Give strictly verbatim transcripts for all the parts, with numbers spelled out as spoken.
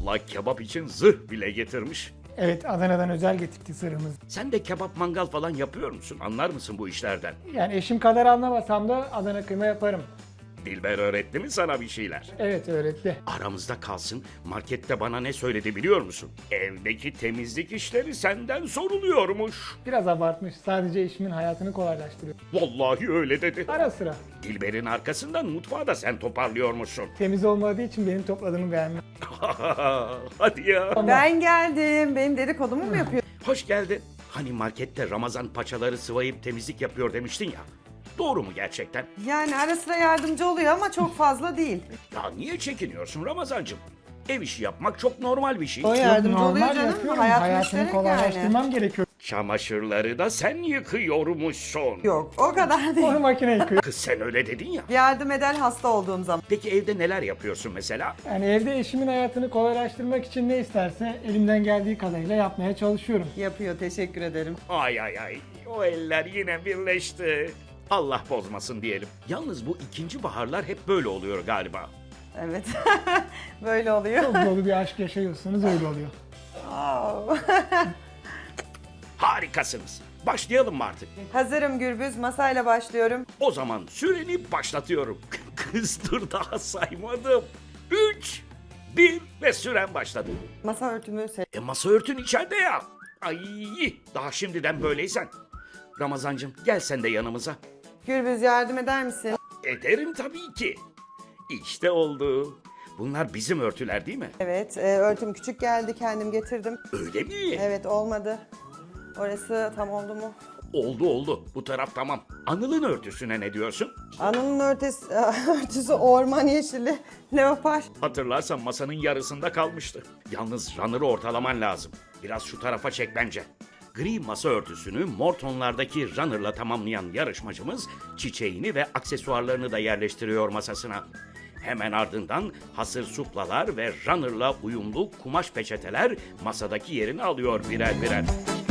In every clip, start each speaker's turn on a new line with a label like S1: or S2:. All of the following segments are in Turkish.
S1: Vallahi kebap için zırh bile getirmiş.
S2: Evet, Adana'dan özel getirdi sırrımız.
S1: Sen de kebap mangal falan yapıyor musun? Anlar mısın bu işlerden?
S2: Yani eşim kadar anlamasam da Adana kıyma yaparım.
S1: Dilber öğretti mi sana bir şeyler?
S2: Evet, öğretti.
S1: Aramızda kalsın, markette bana ne söyledi biliyor musun? Evdeki temizlik işleri senden soruluyormuş.
S2: Biraz abartmış. Sadece eşimin hayatını kolaylaştırıyor.
S1: Vallahi öyle dedi.
S2: Ara sıra.
S1: Dilber'in arkasından mutfağı da sen toparlıyormuşsun.
S2: Temiz olmadığı için benim topladığımı beğenmiyor.
S1: Hadi ya.
S3: Ben geldim. Benim dedikodumu mu yapıyor?
S1: Hoş geldin. Hani markette Ramazan paçaları sıvayıp temizlik yapıyor demiştin ya. Doğru mu gerçekten?
S3: Yani ara sıra yardımcı oluyor ama çok fazla değil.
S1: Ya niye çekiniyorsun Ramazancığım? Ev işi yapmak çok normal bir şey.
S3: O yardımcı
S2: Normal
S3: oluyor canım.
S2: yapıyorum.
S3: Hayat
S2: Hayatını
S3: müşterek
S2: kolaylaştırmam gerekiyor.
S1: Çamaşırları da sen yıkıyormuşsun.
S3: Yok o kadar değil.
S2: Onu makine yıkıyor.
S1: Kız sen öyle dedin ya.
S3: Yardım eder hasta olduğum zaman.
S1: Peki evde neler yapıyorsun mesela?
S2: Yani evde eşimin hayatını kolaylaştırmak için ne isterse elimden geldiği kadarıyla yapmaya çalışıyorum.
S3: Yapıyor teşekkür ederim.
S1: Ay ay ay. O eller yine birleşti. Allah bozmasın diyelim. Yalnız bu ikinci baharlar hep böyle oluyor galiba.
S3: Evet. Böyle oluyor.
S2: Çok dolu bir aşk yaşıyorsunuz, öyle oluyor.
S3: Oo.
S1: Harikasınız. Başlayalım mı artık?
S3: Hazırım Gürbüz. Masayla başlıyorum.
S1: O zaman süreni başlatıyorum. Kız dur daha saymadım. Üç, bir ve süren başladı.
S3: Masa örtümü se-
S1: E masa örtün içeride ya. Ay daha şimdiden böyleysen. Ramazancığım gel sen de yanımıza.
S3: Gürbüz yardım eder misin?
S1: Ederim tabii ki. İşte oldu. Bunlar bizim örtüler değil mi?
S3: Evet. E, örtüm küçük geldi. Kendim getirdim.
S1: Öyle mi?
S3: Evet olmadı. Orası tam oldu mu?
S1: Oldu oldu. Bu taraf tamam. Anıl'ın örtüsüne ne diyorsun?
S3: Anının örtüsü, örtüsü orman yeşili. Leopar.
S1: Hatırlarsan masanın yarısında kalmıştı. Yalnız runner'ı ortalaman lazım. Biraz şu tarafa çek bence. Gri masa örtüsünü mor tonlardaki runner'la tamamlayan yarışmacımız çiçeğini ve aksesuarlarını da yerleştiriyor masasına. Hemen ardından hasır suplalar ve runner'la uyumlu kumaş peçeteler masadaki yerini alıyor birer birer.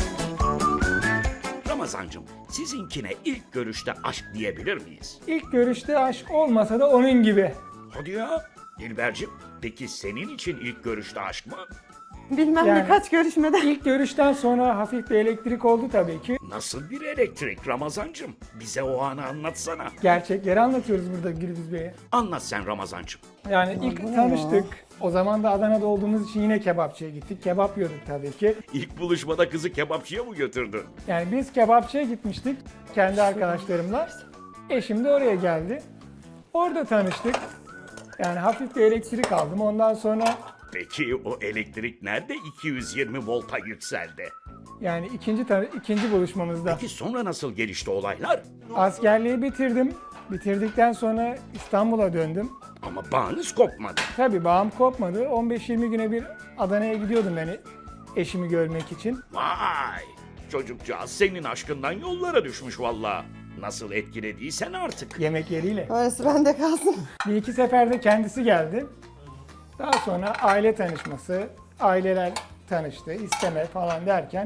S1: Ramazancığım, sizinkine ilk görüşte aşk diyebilir miyiz?
S2: İlk görüşte aşk olmasa da onun gibi.
S1: Hadi ya. Dilbercim, peki senin için ilk görüşte aşk mı?
S3: Bilmem
S2: Yani-
S3: ne kaç görüşmeden.
S2: İlk görüşten sonra hafif bir elektrik oldu tabii ki.
S1: Nasıl bir elektrik Ramazancığım? Bize o anı anlatsana.
S2: Gerçekleri anlatıyoruz burada Gürbüz Bey'e.
S1: Anlat sen Ramazancığım.
S2: Yani ilk tanıştık. O zaman da Adana'da olduğumuz için yine kebapçıya gittik. Kebap yiyorduk tabii ki.
S1: İlk buluşmada kızı kebapçıya mı götürdün?
S2: Yani biz kebapçıya gitmiştik kendi arkadaşlarımla. Eşim de oraya geldi. Orada tanıştık. Yani hafif bir elektrik aldım. Ondan sonra
S1: Peki o elektrik nerede iki yüz yirmi volta yükseldi?
S2: yani ikinci tan- ikinci buluşmamızda
S1: Peki sonra nasıl gelişti olaylar?
S2: askerliği bitirdim. Bitirdikten sonra İstanbul'a döndüm.
S1: Ama bağınız kopmadı.
S2: Tabii bağım kopmadı. on beş yirmi güne bir Adana'ya gidiyordum ben eşimi görmek için.
S1: Vay! Çocukcağız senin aşkından yollara düşmüş valla. Nasıl etkilediysen artık.
S2: Yemek yeriyle.
S3: Orası bende kalsın.
S2: Bir iki seferde kendisi geldi. Daha sonra aile tanışması, aileler tanıştı, isteme falan derken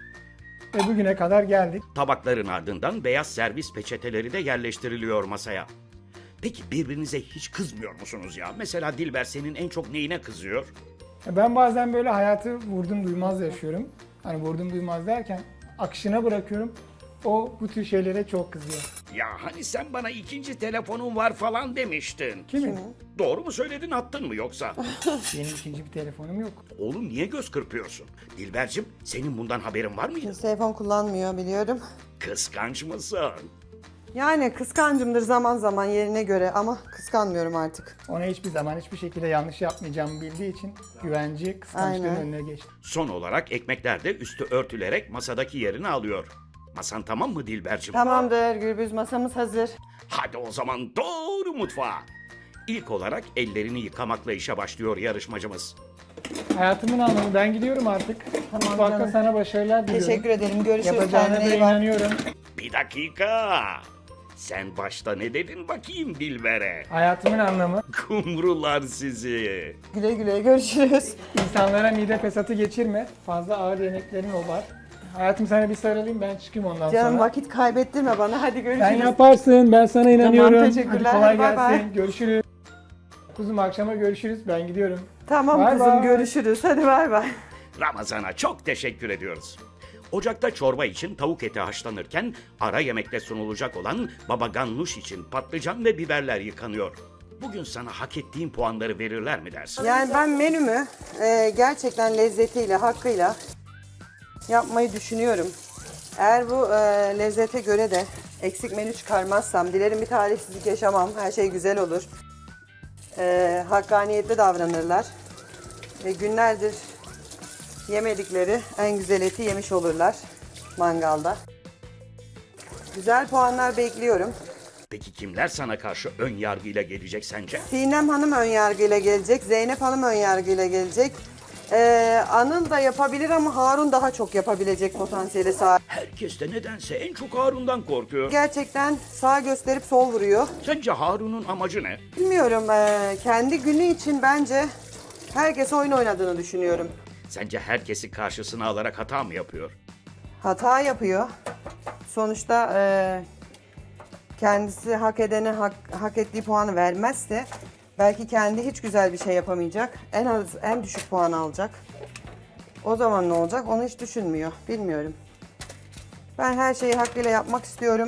S2: ve bugüne kadar geldik.
S1: Tabakların ardından beyaz servis peçeteleri de yerleştiriliyor masaya. Peki birbirinize hiç kızmıyor musunuz ya? Mesela Dilber senin en çok neyine kızıyor?
S2: Ben bazen böyle hayatı vurdum duymaz yaşıyorum. Hani vurdum duymaz derken akışına bırakıyorum. O bu tür şeylere çok kızıyor.
S1: Ya hani sen bana ikinci telefonun var falan demiştin.
S2: Kimin?
S1: Doğru mu söyledin attın mı yoksa?
S2: Benim ikinci bir telefonum yok.
S1: Oğlum niye göz kırpıyorsun? Dilbercim senin bundan haberin var mıydı?
S3: Telefon kullanmıyor biliyorum.
S1: Kıskanç mısın?
S3: Yani kıskancımdır zaman zaman yerine göre ama kıskanmıyorum artık.
S2: Ona hiçbir zaman hiçbir şekilde yanlış yapmayacağımı bildiği için güvenci kıskançlığın
S3: Aynen.
S2: önüne geçti.
S1: Son olarak ekmekler de üstü örtülerek masadaki yerini alıyor. Masan tamam mı Dilbercim?
S3: Tamamdır Gürbüz masamız hazır.
S1: Hadi o zaman doğru mutfağa. İlk olarak ellerini yıkamakla işe başlıyor yarışmacımız.
S2: Hayatımın anlamı, ben gidiyorum artık.
S3: Tamam
S2: Mutfakta
S3: canım.
S2: sana başarılar diliyorum.
S3: Teşekkür ederim. Görüşürüz.
S2: Yapacağına
S3: Kendine
S2: da
S3: iyi bak.
S2: inanıyorum.
S1: Bir dakika. Sen başta ne dedin bakayım Dilber'e?
S2: Hayatımın anlamı
S1: Kumrular sizi.
S3: Güle güle görüşürüz.
S2: insanlara mide fesatı geçirme. Fazla ağır yemeklerin o var. Hayatım sana bir sarılayım, ben çıkayım ondan
S3: Canım
S2: sonra.
S3: vakit kaybettirme bana. Hadi görüşürüz.
S2: Sen yaparsın, ben sana inanıyorum.
S3: teşekkürler.
S2: Hadi kolay
S3: Bay bay.
S2: gelsin. Görüşürüz. Kuzum akşama görüşürüz. Ben gidiyorum.
S3: Tamam
S2: Bay
S3: kızım,
S2: bay.
S3: görüşürüz. Hadi bay bay.
S1: Ramazan'a çok teşekkür ediyoruz. Ocakta çorba için tavuk eti haşlanırken ara yemekte sunulacak olan baba ganoush için patlıcan ve biberler yıkanıyor. Bugün sana hak ettiğin puanları verirler mi dersin?
S3: Yani ben menümü e, gerçekten lezzetiyle, hakkıyla yapmayı düşünüyorum. Eğer bu e, lezzete göre de eksik menü çıkarmazsam, dilerim bir talihsizlik yaşamam, her şey güzel olur. E, hakkaniyetli davranırlar. Ve günlerdir yemedikleri en güzel eti yemiş olurlar mangalda. Güzel puanlar bekliyorum.
S1: Peki kimler sana karşı ön yargıyla gelecek sence?
S3: Sinem Hanım ön yargıyla gelecek, Zeynep Hanım ön yargıyla gelecek. Ee, Anıl da yapabilir ama Harun daha çok yapabilecek potansiyeli sahip.
S1: Herkes de nedense en çok Harun'dan korkuyor.
S3: Gerçekten sağ gösterip sol vuruyor.
S1: Sence Harun'un amacı ne?
S3: Bilmiyorum, ee, kendi günü için bence herkes oyun oynadığını düşünüyorum.
S1: Sence herkesi karşısına alarak hata mı yapıyor?
S3: Hata yapıyor. Sonuçta ee, kendisi hak edene hak, hak ettiği puanı vermezse belki kendi hiç güzel bir şey yapamayacak. En az en düşük puan alacak. O zaman ne olacak? Onu hiç düşünmüyor. Bilmiyorum. Ben her şeyi hakkıyla yapmak istiyorum.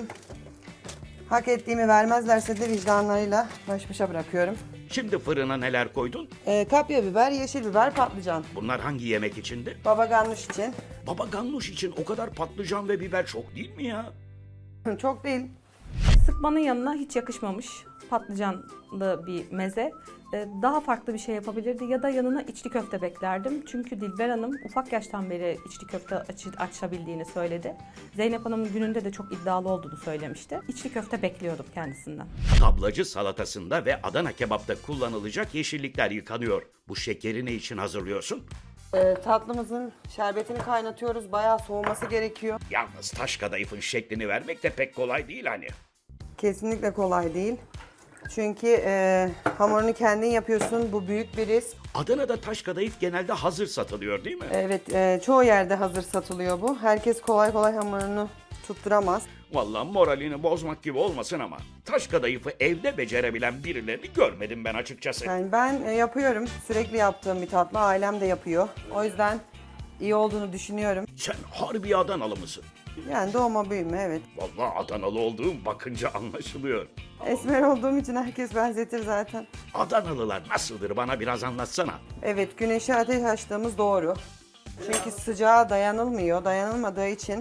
S3: Hak ettiğimi vermezlerse de vicdanlarıyla baş başa bırakıyorum.
S1: Şimdi fırına neler koydun?
S3: Ee, kapya biber, yeşil biber, patlıcan.
S1: Bunlar hangi yemek içindi?
S3: Baba ganoush için.
S1: Baba ganoush için o kadar patlıcan ve biber çok değil mi ya?
S3: Çok değil.
S4: Sıkmanın yanına hiç yakışmamış patlıcanlı bir meze. Ee, Daha farklı bir şey yapabilirdi ya da yanına içli köfte beklerdim. Çünkü Dilber Hanım ufak yaştan beri içli köfte aç açabildiğini söyledi. Zeynep Hanım gününde de çok iddialı olduğunu söylemişti. İçli köfte bekliyordum kendisinden.
S1: Tablacı salatasında ve Adana kebapta kullanılacak yeşillikler yıkanıyor. Bu şekeri ne için hazırlıyorsun?
S3: Ee, tatlımızın şerbetini kaynatıyoruz. Bayağı soğuması gerekiyor.
S1: Yalnız taş kadayıfın şeklini vermek de pek kolay değil hani.
S3: Kesinlikle kolay değil. Çünkü e, hamurunu kendin yapıyorsun. Bu büyük bir risk.
S1: Adana'da taş kadayıf genelde hazır satılıyor değil mi?
S3: Evet, e, çoğu yerde hazır satılıyor bu. Herkes kolay kolay hamurunu tutturamaz.
S1: Vallahi moralini bozmak gibi olmasın ama taş kadayıfı evde becerebilen birilerini görmedim ben açıkçası.
S3: Yani ben e, yapıyorum. Sürekli yaptığım bir tatlı. Ailem de yapıyor. O yüzden iyi olduğunu düşünüyorum.
S1: Sen harbi Adanalı mısın?
S3: Yani doğma büyüme, evet.
S1: Vallahi Adanalı olduğum bakınca anlaşılıyor.
S3: Esmer olduğum için herkes benzetir zaten.
S1: Adanalılar nasıldır bana biraz anlatsana.
S3: Evet, güneşe ateş açtığımız doğru. Çünkü sıcağa dayanılmıyor. Dayanılmadığı için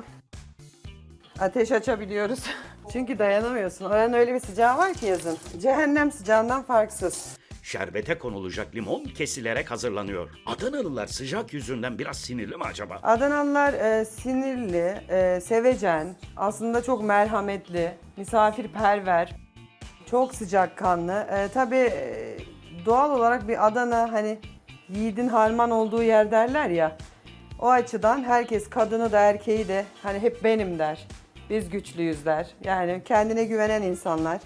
S3: ateş açabiliyoruz. Çünkü dayanamıyorsun. Oranın öyle bir sıcağı var ki yazın. Cehennem sıcağından farksız.
S1: Şerbete konulacak limon kesilerek hazırlanıyor. Adanalılar sıcak yüzünden biraz sinirli mi acaba?
S3: Adanalılar e, sinirli, e, sevecen, aslında çok merhametli, misafirperver, çok sıcakkanlı. E, tabii e, doğal olarak bir Adana, hani yiğidin harman olduğu yer derler ya. O açıdan herkes, kadını da erkeği de hani hep benim der. Biz güçlüyüz der. Yani kendine güvenen insanlar.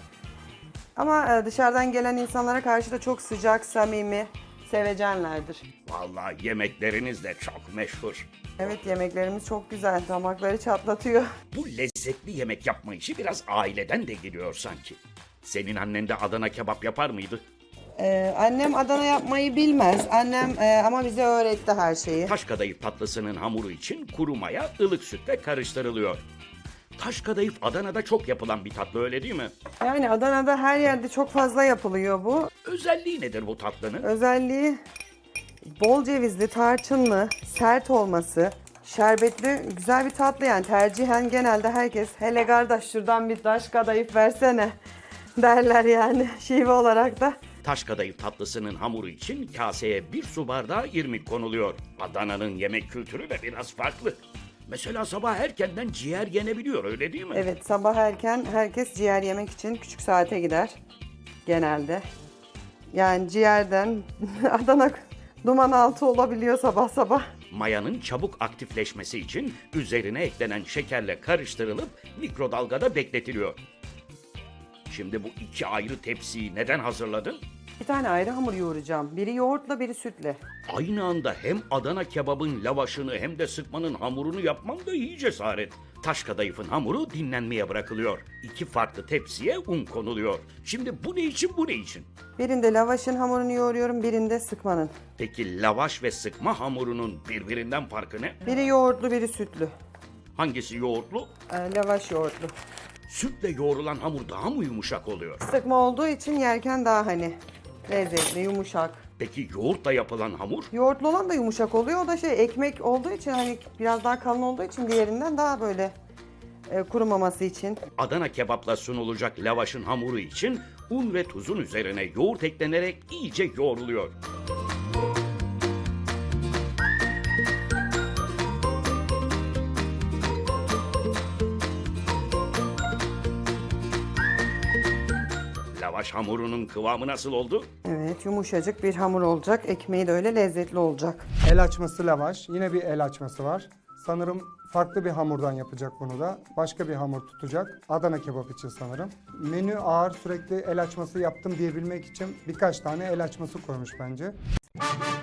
S3: Ama e, dışarıdan gelen insanlara karşı da çok sıcak, samimi, sevecenlerdir.
S1: Vallahi yemekleriniz de çok meşhur.
S3: Evet, yemeklerimiz çok güzel. Damakları çatlatıyor.
S1: Bu lezzetli yemek yapma işi biraz aileden de geliyor sanki. Senin annen de Adana kebap yapar mıydı?
S3: Ee, annem Adana yapmayı bilmez. Annem e, ama bize öğretti her şeyi.
S1: Taş kadayıf tatlısının hamuru için kuru maya ılık sütle karıştırılıyor. Taş kadayıf Adana'da çok yapılan bir tatlı öyle değil mi?
S3: Yani Adana'da her yerde çok fazla yapılıyor bu.
S1: Özelliği nedir bu tatlının?
S3: Özelliği bol cevizli, tarçınlı, sert olması, şerbetli, güzel bir tatlı yani. Tercihen genelde herkes hele kardeş şuradan bir taş kadayıf versene derler yani şive olarak da.
S1: Taş kadayıf tatlısının hamuru için kaseye bir su bardağı irmik konuluyor. Adana'nın yemek kültürü de biraz farklı. Mesela sabah erkenden ciğer yenebiliyor öyle değil mi?
S3: Evet, sabah erken herkes ciğer yemek için küçük saate gider genelde. Yani ciğerden Adana duman altı olabiliyor sabah sabah.
S1: Mayanın çabuk aktifleşmesi için üzerine eklenen şekerle karıştırılıp mikrodalgada bekletiliyor. Şimdi bu iki ayrı tepsiyi neden hazırladın?
S3: Bir tane ayrı hamur yoğuracağım. Biri yoğurtla, biri sütle.
S1: Aynı anda hem Adana kebabın lavaşını hem de sıkmanın hamurunu yapmam da iyi cesaret. Taş kadayıfın hamuru dinlenmeye bırakılıyor. İki farklı tepsiye un konuluyor. Şimdi bu ne için bu ne için?
S3: Birinde lavaşın hamurunu yoğuruyorum, birinde sıkmanın.
S1: Peki lavaş ve sıkma hamurunun birbirinden farkı ne?
S3: Biri yoğurtlu, biri sütlü.
S1: Hangisi yoğurtlu?
S3: Ee, lavaş yoğurtlu.
S1: Sütle yoğrulan hamur daha mı yumuşak oluyor?
S3: Sıkma olduğu için yerken daha hani lezzetli, yumuşak.
S1: Peki yoğurtla yapılan hamur?
S3: Yoğurtlu olan da yumuşak oluyor. O da şey ekmek olduğu için hani biraz daha kalın olduğu için diğerinden daha böyle e, kurumaması için.
S1: Adana kebapla sunulacak lavaşın hamuru için un ve tuzun üzerine yoğurt eklenerek iyice yoğruluyor. Lavaş hamurunun kıvamı nasıl oldu?
S3: Evet, yumuşacık bir hamur olacak. Ekmeği de öyle lezzetli olacak.
S5: El açması lavaş. Yine bir el açması var. Sanırım farklı bir hamurdan yapacak bunu da. Başka bir hamur tutacak. Adana kebap için sanırım. Menü ağır, sürekli el açması yaptım diyebilmek için birkaç tane el açması koymuş bence.